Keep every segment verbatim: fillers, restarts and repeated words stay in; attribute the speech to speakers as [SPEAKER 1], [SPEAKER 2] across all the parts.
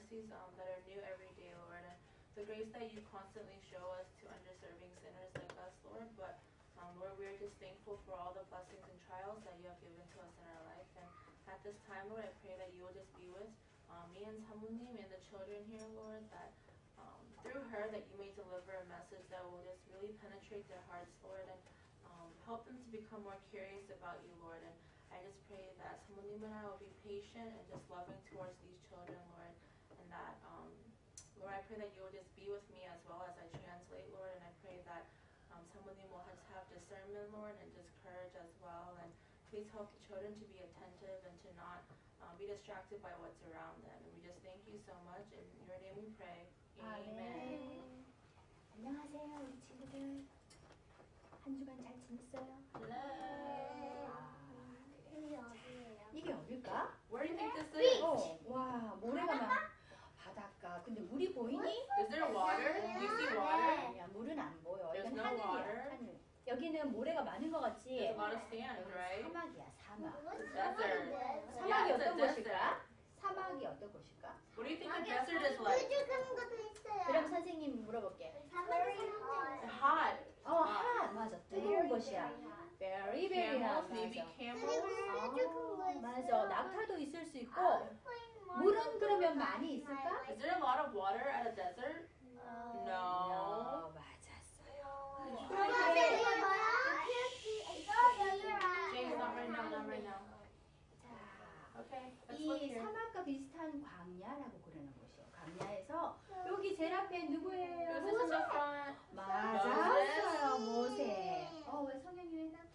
[SPEAKER 1] mercies um, that are new every day, Lord, and the grace that you constantly show us to underserving sinners like us, Lord. But um, Lord, we are just thankful for all the blessings and trials that you have given to us in our life. And at this time, Lord, I pray that you will just be with um, me and Samunim and the children here, Lord, that um, through her that you may deliver a message that will just really penetrate their hearts, Lord, and um, help them to become more curious about you, Lord. And I just pray that Samunim and I will be patient and just loving towards these children, Lord, and that, um, Lord, I pray that you will just be with me as well as I translate, Lord, and I pray that um, Samunim will just have discernment, Lord, and just courage as well, and please help the children to be attentive and to not um, be distracted by what's around them. And we just thank you so much. In your name we pray. Amen.
[SPEAKER 2] 안녕하세요, 우리 친구들. 한 주간 잘 지냈어요?
[SPEAKER 1] Hello.
[SPEAKER 2] 이게 어디예요? 이게 어딜까?
[SPEAKER 1] Where do you think this is?
[SPEAKER 2] 어, 와, 모래가 막 바닷가. 근데 물이 보이니?
[SPEAKER 1] Is there water? Do you see water?
[SPEAKER 2] 아니야, 물은 안 보여.
[SPEAKER 1] There's
[SPEAKER 2] 이건
[SPEAKER 1] no
[SPEAKER 2] 하늘이야,
[SPEAKER 1] water.
[SPEAKER 2] 하늘. 여기는 모래가 많은 것 같지?
[SPEAKER 1] There's a lot of sand,
[SPEAKER 2] 여기는
[SPEAKER 1] right?
[SPEAKER 2] 사막이야, 사막.
[SPEAKER 1] Desert.
[SPEAKER 2] 사막이
[SPEAKER 1] Yeah, it's a
[SPEAKER 2] 어떤
[SPEAKER 1] desert.
[SPEAKER 2] 곳일까? 사막이 어떤 곳일까?
[SPEAKER 1] What do you think a desert is like?
[SPEAKER 2] 그럼 선생님 물어볼게.
[SPEAKER 1] Hot.
[SPEAKER 2] 어, 핫 맞아. 뜨거운 곳이야. Very, very hot.
[SPEAKER 1] Camels, maybe
[SPEAKER 2] 맞아.
[SPEAKER 1] camels.
[SPEAKER 2] 아, 맞아. 낙타도 있을 수 있고. 물은 그러면 많이 있을까?
[SPEAKER 1] Is there a lot of water at a desert? No.
[SPEAKER 2] 어, 맞았어요.
[SPEAKER 1] James, not right now, not right now.
[SPEAKER 2] 자,
[SPEAKER 1] Okay, let's look
[SPEAKER 2] 이
[SPEAKER 1] here.
[SPEAKER 2] 사막과 비슷한 광야라고 그러는 곳이에요. 광야에서 여기 제일 앞에 누구예요?
[SPEAKER 1] Who's this in the front?
[SPEAKER 2] 맞았어요. 모세. 어, 왜 성현이 왜 나?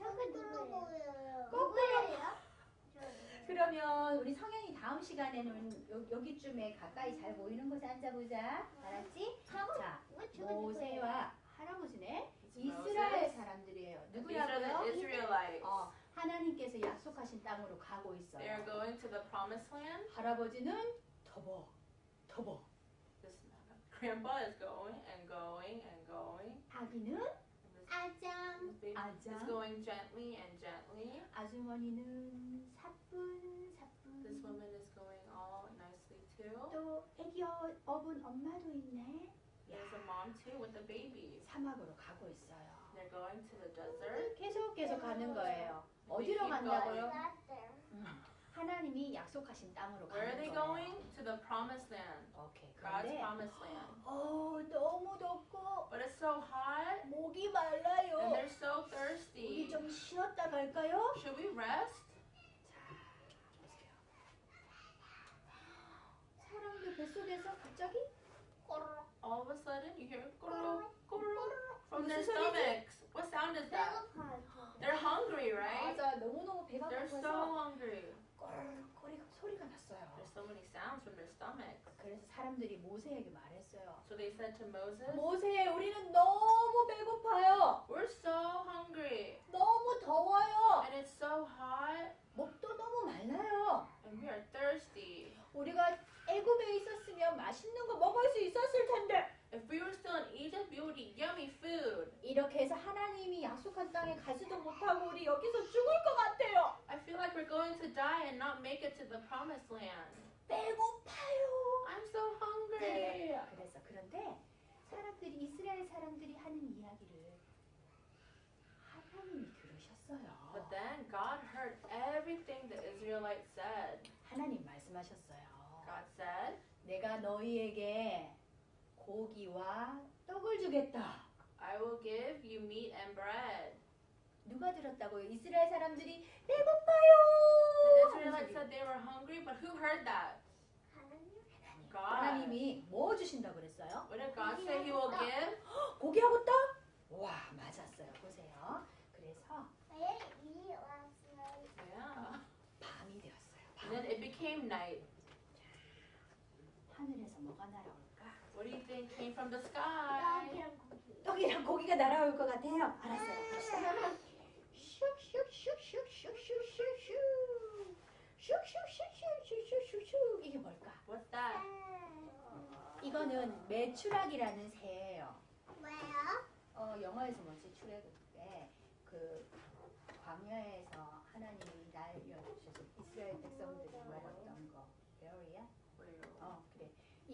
[SPEAKER 2] 그러면 우리 성현이 다음 시간에는 요, 여기쯤에 가까이 잘 보이는 곳에 앉아보자. 알았지? 자, 모세와 할아버지네. 이스라엘 사람들이에요.
[SPEAKER 1] These are the
[SPEAKER 2] 누구라고요?
[SPEAKER 1] Israelites.
[SPEAKER 2] 어, 하나님께서 약속하신 땅으로 가고
[SPEAKER 1] They are
[SPEAKER 2] 있어요.
[SPEAKER 1] going to the promised land.
[SPEAKER 2] 할아버지는 터벅, 터벅.
[SPEAKER 1] This grandpa is going and going and going.
[SPEAKER 2] 아기는
[SPEAKER 1] And this baby
[SPEAKER 2] 아장.
[SPEAKER 1] is going gently and gently.
[SPEAKER 2] 아주머니는 사뿐, 사뿐.
[SPEAKER 1] This woman is going all nicely too.
[SPEAKER 2] 또 애기 어, 어분 엄마도 있네.
[SPEAKER 1] There's a mom too with the baby.
[SPEAKER 2] 사막으로 가고 있어요.
[SPEAKER 1] They're going to the desert.
[SPEAKER 2] 계속 계속 가는 거예요. 어디로 간다고요? 음, 하나님이 약속하신 땅으로
[SPEAKER 1] Where are
[SPEAKER 2] 가는
[SPEAKER 1] they
[SPEAKER 2] 거예요.
[SPEAKER 1] going? To the promised land.
[SPEAKER 2] 오케이.
[SPEAKER 1] God's
[SPEAKER 2] 그런데
[SPEAKER 1] promised land.
[SPEAKER 2] 어, 너무 덥고
[SPEAKER 1] But it's so hot
[SPEAKER 2] 목이
[SPEAKER 1] and
[SPEAKER 2] 말라요.
[SPEAKER 1] they're so
[SPEAKER 2] 우리
[SPEAKER 1] thirsty.
[SPEAKER 2] 좀 쉬었다 갈까요?
[SPEAKER 1] Should we rest?
[SPEAKER 2] 자, 보세요. 사람들 뱃속에서 갑자기
[SPEAKER 1] All of a sudden you hear goro, goro from their
[SPEAKER 2] 무슨 소리지?
[SPEAKER 1] stomachs. What sound is that? They're hungry, right?
[SPEAKER 2] 맞아, 너무너무 배가
[SPEAKER 1] They're so
[SPEAKER 2] 고파서
[SPEAKER 1] hungry.
[SPEAKER 2] 꼴꼴 소리가 났어요.
[SPEAKER 1] There's so many sounds from their stomachs.
[SPEAKER 2] 그래서 사람들이 모세에게 말했어요.
[SPEAKER 1] So they said to Moses,
[SPEAKER 2] 모세, 우리는 너무 배고파요.
[SPEAKER 1] we're so hungry
[SPEAKER 2] 너무 더워요.
[SPEAKER 1] and it's so hot
[SPEAKER 2] 목도 너무 말라요.
[SPEAKER 1] and we are thirsty.
[SPEAKER 2] 우리가 애굽에 있었으면 맛있는 거 먹을 수 있었을 텐데.
[SPEAKER 1] If we were still in Egypt, we would eat yummy food.
[SPEAKER 2] 이렇게 해서 하나님이 약속한 땅에 가지도 못하고 우리 여기서 죽을 것 같아요.
[SPEAKER 1] I feel like we're going to die and not make it to the promised land.
[SPEAKER 2] 배고파요.
[SPEAKER 1] I'm so hungry.
[SPEAKER 2] 그래서 그런데 사람들이 이스라엘 사람들이 하는 이야기를 하나님이 들으셨어요.
[SPEAKER 1] But then God heard everything the Israelites said.
[SPEAKER 2] 하나님 말씀하셨어요.
[SPEAKER 1] God said,
[SPEAKER 2] 내가 너희에게 고기와 떡을 주겠다.
[SPEAKER 1] I will give you meat and bread.
[SPEAKER 2] 누가 들었다고요? 이스라엘 사람들이
[SPEAKER 1] The
[SPEAKER 2] 배고파요.
[SPEAKER 1] Israelites said they were hungry, but who heard that? God.
[SPEAKER 2] 하나님이 뭐 주신다고 그랬어요?
[SPEAKER 1] What did God say He will give?
[SPEAKER 2] 고기하고 떡? 와, 맞았어요. 보세요. 그래서
[SPEAKER 1] Yeah.
[SPEAKER 2] 밤이 되었어요.
[SPEAKER 1] And then it became night.
[SPEAKER 2] 하늘에서 뭐가 날아올까?
[SPEAKER 1] What do you think came from the sky?
[SPEAKER 2] 떡이랑 고기가 날아올 것 같아요. 알았어요. 봅시다. 슉슉슉슉슉슉슉슉슉 슉슉슉슉슉슉슉 이게 뭘까?
[SPEAKER 1] What's that?
[SPEAKER 2] 이거는 메추락이라는 새예요. 어, 영어에서 뭐지? 출애굽에 그 광야에서 하나님이 날려주셔서 이스라엘 백성들이 먹었던 거. 베어리야? 어, 그래.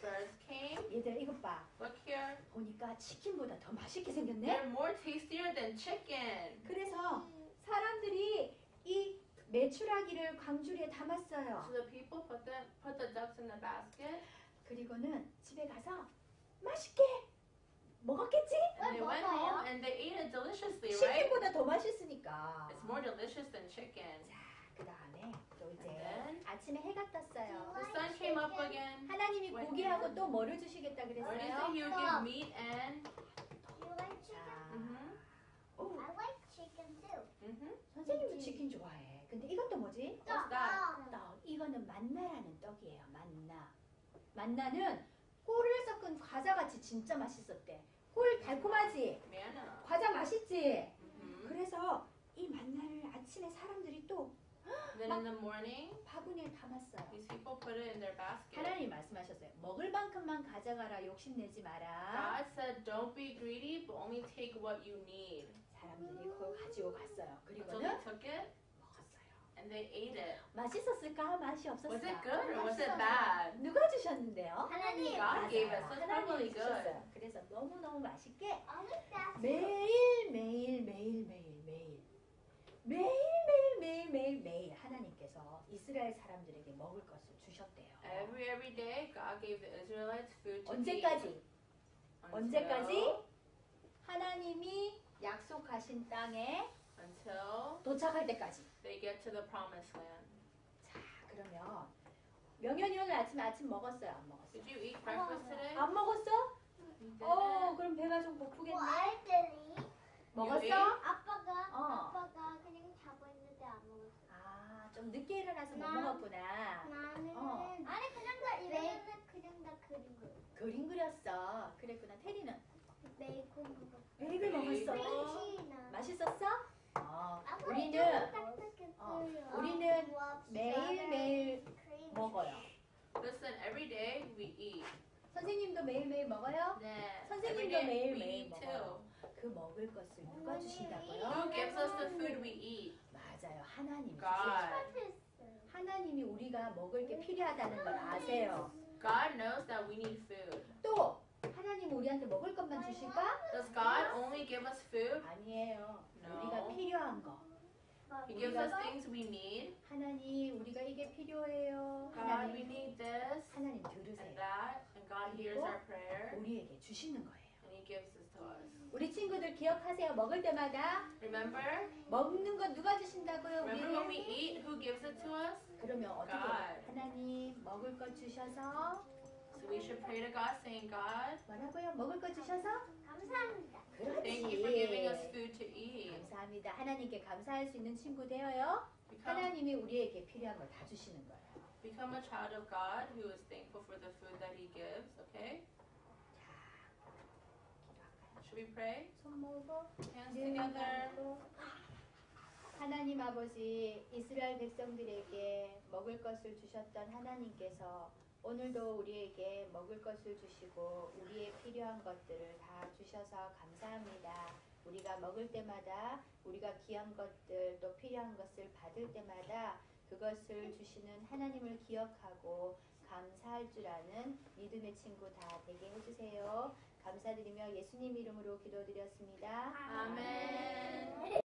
[SPEAKER 1] birds came,
[SPEAKER 2] 얘들아 이것 봐.
[SPEAKER 1] look here,
[SPEAKER 2] 보니까 치킨보다 더 맛있게 생겼네.
[SPEAKER 1] they're more tastier than chicken.
[SPEAKER 2] 그래서 사람들이 이 메추라기를 광주리에 담았어요.
[SPEAKER 1] So the people put the put the ducks in the basket,
[SPEAKER 2] 그리고는 집에 가서 맛있게 먹었겠지?
[SPEAKER 1] and they went home and they ate it deliciously, right?
[SPEAKER 2] 치킨보다 더 맛있으니까.
[SPEAKER 1] It's more delicious than chicken.
[SPEAKER 2] 자, 그 다음에 또 이제
[SPEAKER 1] And then
[SPEAKER 2] 아침에 해가 떴어요.
[SPEAKER 1] the sun came up again.
[SPEAKER 2] 하나님이 고기하고 또 뭐를 주시겠다
[SPEAKER 1] What did he
[SPEAKER 2] 그랬어요?
[SPEAKER 1] say? He would give meat and.
[SPEAKER 3] You like chicken?
[SPEAKER 1] Mhm.
[SPEAKER 2] 오,
[SPEAKER 3] I like chicken too.
[SPEAKER 1] Mhm.
[SPEAKER 2] 선생님도 치킨 좋아해. 근데 이것도 뭐지?
[SPEAKER 1] What's that?
[SPEAKER 2] 떡. 이거는 만나라는 떡이에요. 만나. 만나는 꿀을 섞은 과자같이 진짜 맛있었대. 꿀 달콤하지?
[SPEAKER 1] Manna.
[SPEAKER 2] 과자 맛있지?
[SPEAKER 1] Mhm.
[SPEAKER 2] 그래서 이 만나를 아침에 사람들이 또
[SPEAKER 1] Then in the morning,
[SPEAKER 2] 바구니에 담았어요.
[SPEAKER 1] these people put it in their basket.
[SPEAKER 2] 하나님 말씀하셨어요. 먹을 만큼만 가져가라. 욕심내지 마라.
[SPEAKER 1] God said, "Don't be greedy, but only take what you need."
[SPEAKER 2] 사람들이 그걸 가지고 갔어요.
[SPEAKER 1] So
[SPEAKER 2] 그리고는
[SPEAKER 1] they took it
[SPEAKER 2] 먹었어요.
[SPEAKER 1] and they ate it.
[SPEAKER 2] 맛있었을까? 맛이 없었을까?
[SPEAKER 1] Was it good or was it bad?
[SPEAKER 2] 누가 주셨는데요?
[SPEAKER 3] 하나님.
[SPEAKER 1] God gave it, so it's
[SPEAKER 2] 하나님이
[SPEAKER 1] probably good.
[SPEAKER 2] 주셨어요. 그래서 너무너무 맛있게
[SPEAKER 3] I like that.
[SPEAKER 2] 매일 매일 매일 매일 매일 매일 매일 매일 매일 매일 하나님께서 이스라엘 사람들에게 먹을 것을 주셨대요.
[SPEAKER 1] Every every day, God gave the Israelites food to eat.
[SPEAKER 2] 언제까지?
[SPEAKER 1] Until,
[SPEAKER 2] 언제까지? 하나님이 약속하신 땅에
[SPEAKER 1] until
[SPEAKER 2] 도착할 때까지.
[SPEAKER 1] they get to the promised land.
[SPEAKER 2] 자, 그러면 명현이 오늘 아침에 아침 먹었어요? 안 먹었어요?
[SPEAKER 1] Did you eat breakfast today?
[SPEAKER 2] 안 먹었어?
[SPEAKER 1] You
[SPEAKER 2] 어,
[SPEAKER 1] didn't?
[SPEAKER 2] 그럼 배가 좀 고프겠네.
[SPEAKER 3] 뭐 알들이
[SPEAKER 2] 먹었어?
[SPEAKER 1] ate?
[SPEAKER 3] 아빠가
[SPEAKER 2] 어.
[SPEAKER 3] 아빠가 그냥 자고 있는데 안 먹었어.
[SPEAKER 2] 아, 좀 늦게 일어나서 못
[SPEAKER 3] 나-
[SPEAKER 2] 먹었구나.
[SPEAKER 3] 나는
[SPEAKER 2] 어.
[SPEAKER 3] 아니 그냥 다 이러면 그냥 다 그린 거.
[SPEAKER 2] 그림 그렸어. 그랬구나. 테리는
[SPEAKER 3] 베이컨 먹었어.
[SPEAKER 2] 베이글 먹었어.
[SPEAKER 3] 베이컨이나.
[SPEAKER 2] 맛있었어? 어,
[SPEAKER 3] 아빠
[SPEAKER 2] 우리는
[SPEAKER 3] 좀 딱딱했어요.
[SPEAKER 2] 어, 우리는 매일 매일 먹어요.
[SPEAKER 1] Listen, every day we eat.
[SPEAKER 2] 선생님도 매일 매일 먹어요?
[SPEAKER 1] 네.
[SPEAKER 2] 선생님도
[SPEAKER 1] Every day
[SPEAKER 2] 매일
[SPEAKER 1] we
[SPEAKER 2] 매일
[SPEAKER 1] eat too.
[SPEAKER 2] 먹어요. 그 먹을 것을 누가 주신다고요?
[SPEAKER 1] Who gives us the food we eat?
[SPEAKER 2] 맞아요. 하나님이
[SPEAKER 1] God.
[SPEAKER 2] 주세요. 하나님이 우리가 먹을 게 필요하다는 걸 아세요.
[SPEAKER 1] God knows that we need food.
[SPEAKER 2] 또 하나님 우리한테 먹을 것만 주실까?
[SPEAKER 1] Does God only give us food?
[SPEAKER 2] 아니에요.
[SPEAKER 1] No.
[SPEAKER 2] 우리가 필요한 거.
[SPEAKER 1] He gives us things we need.
[SPEAKER 2] 하나님 우리가 이게 필요해요.
[SPEAKER 1] God, we
[SPEAKER 2] 하나님
[SPEAKER 1] need this
[SPEAKER 2] 하나님
[SPEAKER 1] and
[SPEAKER 2] 들으세요.
[SPEAKER 1] that, and God hears our prayer,
[SPEAKER 2] 우리에게 주시는 거예요.
[SPEAKER 1] and He gives this to us.
[SPEAKER 2] 우리 친구들 기억하세요. 먹을 때마다
[SPEAKER 1] Remember?
[SPEAKER 2] 먹는 거 누가 주신다고요?
[SPEAKER 1] Remember when we
[SPEAKER 2] 우리는?
[SPEAKER 1] eat? Who gives it to us?
[SPEAKER 2] 그러면 어떻게 해요?
[SPEAKER 1] God.
[SPEAKER 2] 하나님 먹을 것 주셔서
[SPEAKER 1] So we should pray to God, saying, God,
[SPEAKER 2] 뭐라고요? 먹을 것 주셔서
[SPEAKER 3] 감사합니다.
[SPEAKER 1] thank you for giving us
[SPEAKER 2] 그렇지.
[SPEAKER 1] food to eat.
[SPEAKER 2] 감사합니다. 하나님께 감사할 수 있는 친구 되어요.
[SPEAKER 1] Become,
[SPEAKER 2] 하나님이 우리에게 필요한 걸 다 주시는 거예요.
[SPEAKER 1] become a child of God who is thankful for the food that He gives, okay?
[SPEAKER 2] 자, 기도할까요?
[SPEAKER 1] Should we pray?
[SPEAKER 2] 손 모으고
[SPEAKER 1] Hands
[SPEAKER 2] 눈
[SPEAKER 1] together.
[SPEAKER 2] 감고. 하나님 아버지 이스라엘 백성들에게 먹을 것을 주셨던 하나님께서 오늘도 우리에게 먹을 것을 주시고 우리의 필요한 것들을 다 주셔서 감사합니다. 우리가 먹을 때마다 우리가 귀한 것들 또 필요한 것을 받을 때마다 그것을 주시는 하나님을 기억하고 감사할 줄 아는 믿음의 친구 다 되게 해주세요. 감사드리며 예수님 이름으로 기도드렸습니다.
[SPEAKER 1] Amen.